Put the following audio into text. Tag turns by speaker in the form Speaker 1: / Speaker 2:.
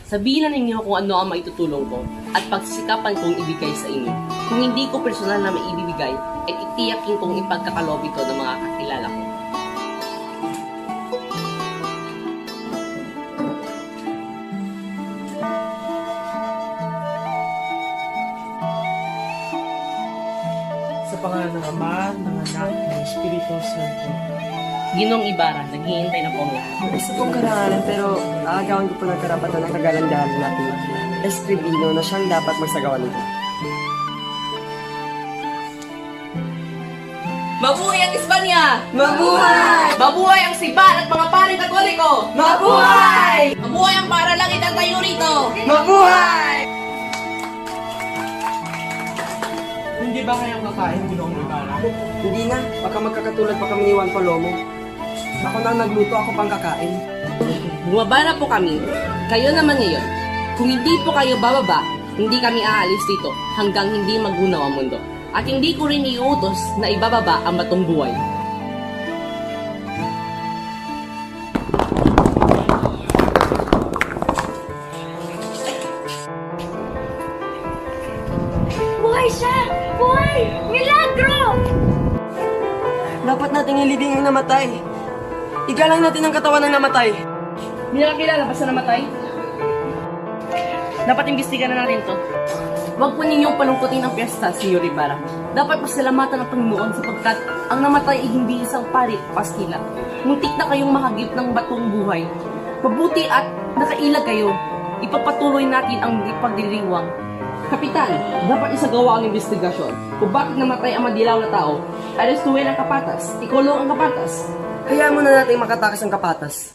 Speaker 1: Sabihin na ninyo kung ano ang maitutulong ko at pagsisikapan kong ibigay sa inyo. Kung hindi ko personal na maibibigay, ay titiyakin kong ipagkakalob ito ng mga kakilala ko.
Speaker 2: Sa pangalan ng Ama, ng Anak, ng Espiritu Santo.
Speaker 1: Ginong Ibarra, naghihintay na po ang lahat.
Speaker 3: Gusto kong karangalan pero aagawan ko po ng karapatan ng kagalandahan natin. Escribino na siyang dapat magsagawa nito.
Speaker 1: Mabuhay ang Espanya!
Speaker 3: Mabuhay!
Speaker 1: Mabuhay ang Sibat at mga paring Katoliko!
Speaker 3: Mabuhay!
Speaker 1: Mabuhay ang paralangit ang tayo rito!
Speaker 3: Mabuhay!
Speaker 2: Hindi ba kayang kakain, Ginoong Ibarra?
Speaker 3: Hindi na, baka magkakatulad pa kami ni Juan Palomo. Ako na nagluto, ako pang kakain.
Speaker 1: Bumaba na po kami. Kayo naman ngayon. Kung hindi po kayo bababa, hindi kami aalis dito hanggang hindi magunaw ang mundo. At hindi ko rin iuutos na ibababa ang batong buhay.
Speaker 4: Buhay siya! Buhay! Milagro!
Speaker 3: Dapat nating ilibing ang namatay. Igalang natin ang katawan ng namatay.
Speaker 1: Hindi na kilala basta namatay? Dapat imbestigan na natin to. Huwag po ninyong palungkutin ang piyesta, Senyor Ibarra. Dapat pasalamatan ang Panginoon sapagkat ang namatay ay hindi isang parit pastila. Muntik na kayong makagip ng batong buhay. Mabuti at nakailag kayo. Ipapatuloy natin ang ipagdiriwang. Kapitan, dapat isagawa ang investigasyon kung bakit namatay ang madilaw na tao. Arestuhin ang kapatas, ikulong ang kapatas.
Speaker 3: Hayaan mo na natin makatakas ang kapatas.